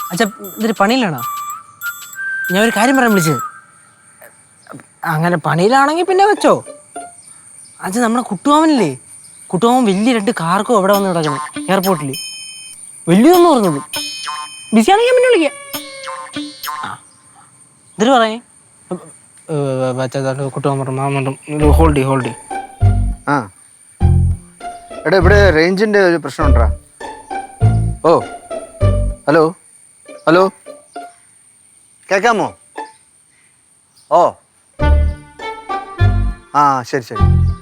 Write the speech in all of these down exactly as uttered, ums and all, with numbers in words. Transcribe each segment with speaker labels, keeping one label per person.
Speaker 1: അച്ഛാ ഇതൊരു പണിയിലാണോ? ഞാൻ ഒരു കാര്യം പറയാൻ വിളിച്ചത്. അങ്ങനെ പണിയിലാണെങ്കിൽ പിന്നെ വെച്ചോ. അച്ഛാ നമ്മുടെ കുട്ടുമാവനില്ലേ, കുട്ടുമാവൻ വലിയ രണ്ട് കാർക്കോ എവിടെ വന്ന് കിടക്കണം എയർപോർട്ടിൽ. വലിയതൊന്നും പറഞ്ഞോളൂ. ബിസിയാണെങ്കിൽ ഞാൻ പിന്നെ വിളിക്കാം. എന്നിട്ട് പറയേ കുട്ടുമാവൻ പറഞ്ഞു മാമ ഹോൾഡി ഹോൾഡി.
Speaker 2: ആ എടാ ഇവിടെ റേഞ്ചിൻ്റെ ഒരു പ്രശ്നമുണ്ടാ? ഓ ഹലോ ഹലോ കേൾക്കാമോ? ഓ ആ ശരി ശരി.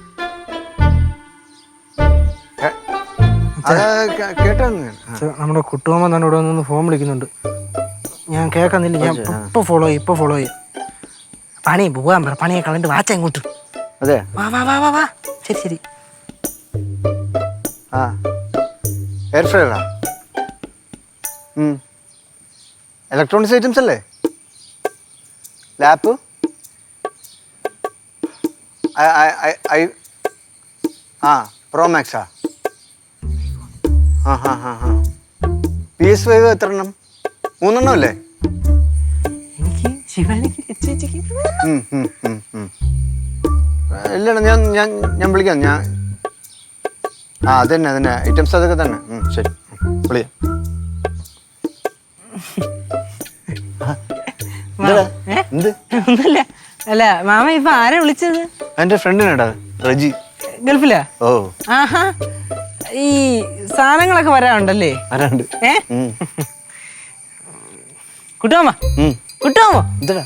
Speaker 2: കേട്ടോ
Speaker 1: നമ്മുടെ കുട്ടുമാമൻ തന്നെ ഇവിടെ നിന്ന് ഫോൺ വിളിക്കുന്നുണ്ട്. ഞാൻ കേൾക്കുന്നില്ല. ഞാൻ ഇപ്പൊ ഫോളോ ചെയ്യും, ഇപ്പൊ ഫോളോ ചെയ്യും. പണി പോകാൻ പറ, പണിയെ കളണ്ട് വാച്ച ഇങ്ങോട്ട്.
Speaker 2: അതെ
Speaker 1: വാ വാ വാ വാ വാ. ശരി ശരി.
Speaker 2: ആ എയർ ഫ്രയറാ? ഇലക്ട്രോണിക്സ് ഐറ്റംസ് അല്ലേ? ലാപ്പ് ആ പ്രോ മാക്സാ? ആ ഹാ ഹാ ഹാ. പി എസ് ഫൈവ് എത്ര എണ്ണം? മൂന്നെണ്ണം അല്ലേ?
Speaker 1: എനിക്ക് ശിവാനിക്ക്
Speaker 2: ഇല്ലടാ ഞാൻ ഞാൻ ഞാൻ വിളിക്കാം. ഞാൻ ആ അതന്നെ അതന്നെ ഐറ്റംസ് അതൊക്കെ തന്നെ. ശരി വിളിക്കാം. എന്ത്?
Speaker 1: ഒന്നുമില്ല. അല്ല മാമ ഇപ്പൊ ആരാ വിളിച്ചത്?
Speaker 2: എന്റെ ഫ്രണ്ടിനാടാ, റജി.
Speaker 1: ഗൾഫിലാ?
Speaker 2: ഓ
Speaker 1: ആഹാ. ഈ സാധനങ്ങളൊക്കെ വരാറുണ്ടല്ലേ?
Speaker 2: വരാണ്ട്.
Speaker 1: ഏ കുട്ടുമാമ കുട്ടുമാമ
Speaker 2: എന്താ?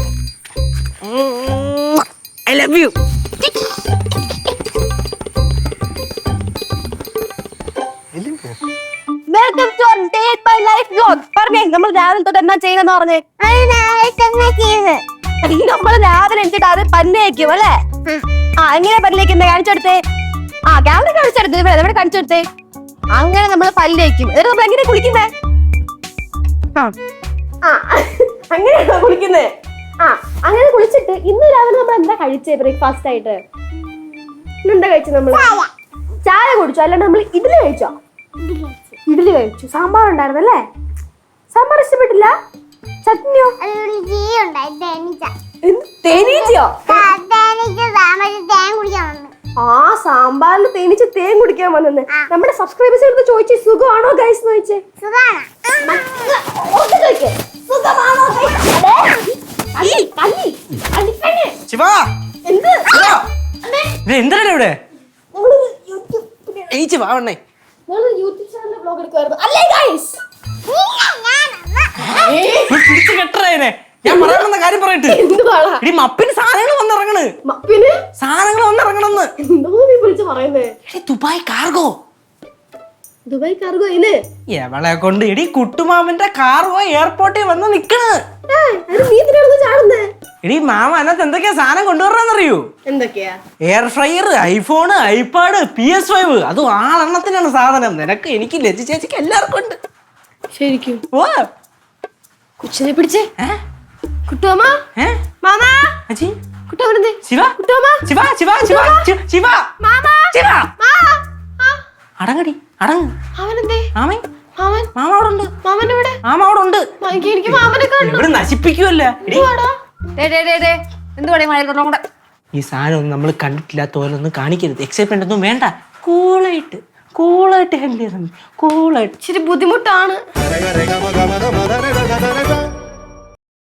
Speaker 1: I love you.
Speaker 3: Welcome to day by life vlog. പറഞ്ഞേ നമ്മൾ രാവിലെ തൊട്ട് എന്നാ ചെയ്യുന്നെന്ന് പറഞ്ഞേ. നമ്മൾ രാവിലെ എന്നിട്ട് അത് പല്ലേക്കും അല്ലേ? ആ എങ്ങനെ പല്ലേക്കുന്നത് കാണിച്ചെടുത്തേ. ആ ക്യാമറ കാണിച്ചെടുത്ത് ഇവിടെ കാണിച്ചെടുത്തേ. അങ്ങനെ നമ്മൾ പല്ലേക്കും. എന്നിട്ട് നമ്മൾ എങ്ങനെ കുളിക്കുന്നേ? ആ അങ്ങനെയാണോ കുളിക്കുന്നേ? ആ അങ്ങനെ കുളിച്ചിട്ട് ഇന്ന് രാവിലെ നമ്മൾ എന്താ കഴിച്ചേ ബ്രേക്ക്ഫാസ്റ്റ് ആയിട്ട്? എന്താ കഴിച്ചു? നമ്മൾ ചായ കുടിച്ചോ അല്ലാണ്ട് നമ്മൾ ഇഡ്ഡലി കഴിച്ചോ? ഇഡ്ഡലി കഴിച്ചു. സാമ്പാർ ഉണ്ടായിരുന്നല്ലേ? സാമ്പാർ ഇഷ്ടപ്പെട്ടില്ല? ചട്നിയോ? തേനീച്ചയോ? ആ സാമ്പാറിൽ തേനീച്ച തേൻ കുടിക്കാൻ വന്നെന്ന് നമ്മുടെ സബ്സ്ക്രൈബേഴ്സ് എടുത്ത് ചോദിച്ചേ സുഖമാണോ ഗൈസ് എന്ന് ചോദിച്ചേ.
Speaker 1: എന്താണ് ഇവിടെ? ഏച്ചി വാവണ്ണേ
Speaker 3: യൂട്യൂബ് ചാനലിൽ വ്ലോഗ് എടുക്കുവായിരുന്നു അല്ലേ ഗൈസ്?
Speaker 1: പിടിച്ചു കെട്ടറേനെ. ഞാൻ പറയാൻ വന്ന കാര്യം പറയട്ടെ. ഇനി മപ്പിന് സാധനങ്ങൾ വന്നിറങ്ങണ്.
Speaker 3: മപ്പിന്
Speaker 1: സാധനങ്ങൾ വന്നിറങ്ങണെന്ന്
Speaker 3: എന്തോ നീ വിളിച്ചു പറയുന്നേ?
Speaker 1: Dubai cargo.
Speaker 3: ദുബായ് കാർഗോ ഇല്ലേ?
Speaker 1: എവളെ കൊണ്ട് എടി കുട്ടുമാമന്റെ കാർഗോ എയർപോർട്ടിൽ വന്ന് നിക്കണ്.
Speaker 3: നീ ഇതിനാണ് ചാടുന്നേ?
Speaker 1: എടി മാമ അതിനകത്ത് എന്തൊക്കെയാ സാധനം കൊണ്ടുവരാന്നറിയൂ?
Speaker 3: എന്തൊക്കെയാ?
Speaker 1: Air fryer, iPhone, iPad, P S five. അതും ആളെണ്ണത്തിനാണ് സാധനം. നിനക്ക്, എനിക്ക്, ലജ്ജ ചേച്ചിക്ക് എല്ലാവർക്കും ഉണ്ട്.
Speaker 3: ശരിക്കും?
Speaker 1: ഓ
Speaker 3: കൊച്ചിനെ പിടിച്ചേ. കുട്ടുമാമ മാമ
Speaker 1: അജി
Speaker 3: കുട്ടുമാമനെന്തേ?
Speaker 1: ശിവ
Speaker 3: കുട്ടുമാമ
Speaker 1: ശിവ ശിവ ശിവ ശിവ
Speaker 3: മാമ
Speaker 1: ശിവ അടങ്ങടി അടങ്ങ്.
Speaker 3: അവനെന്തേ?
Speaker 1: മാമൻ
Speaker 3: മാമൻ
Speaker 1: മാമ അവിടെ ഉണ്ട്.
Speaker 3: മാമൻ എവിടെ?
Speaker 1: മാമ അവിടെ ഉണ്ട്.
Speaker 3: എനിക്ക് മാമനെ കാണണം.
Speaker 1: ഇവിടെ നശിപ്പിക്കുവല്ലേ.
Speaker 3: എന്തുവാടാ
Speaker 1: ഈ സാധനം ഒന്നും നമ്മൾ കണ്ടിട്ടില്ലാത്ത പോലെ ഒന്നും കാണിക്കരുത്. എക്സൈറ്റ്മെന്റ് ഒന്നും വേണ്ട. കൂളായിട്ട് കൂളായിട്ട് ഹാൻഡിൽ ചെയ്താൽ മതി. കൂളായിട്ട്.
Speaker 3: ഇച്ചിരി ബുദ്ധിമുട്ടാണ്.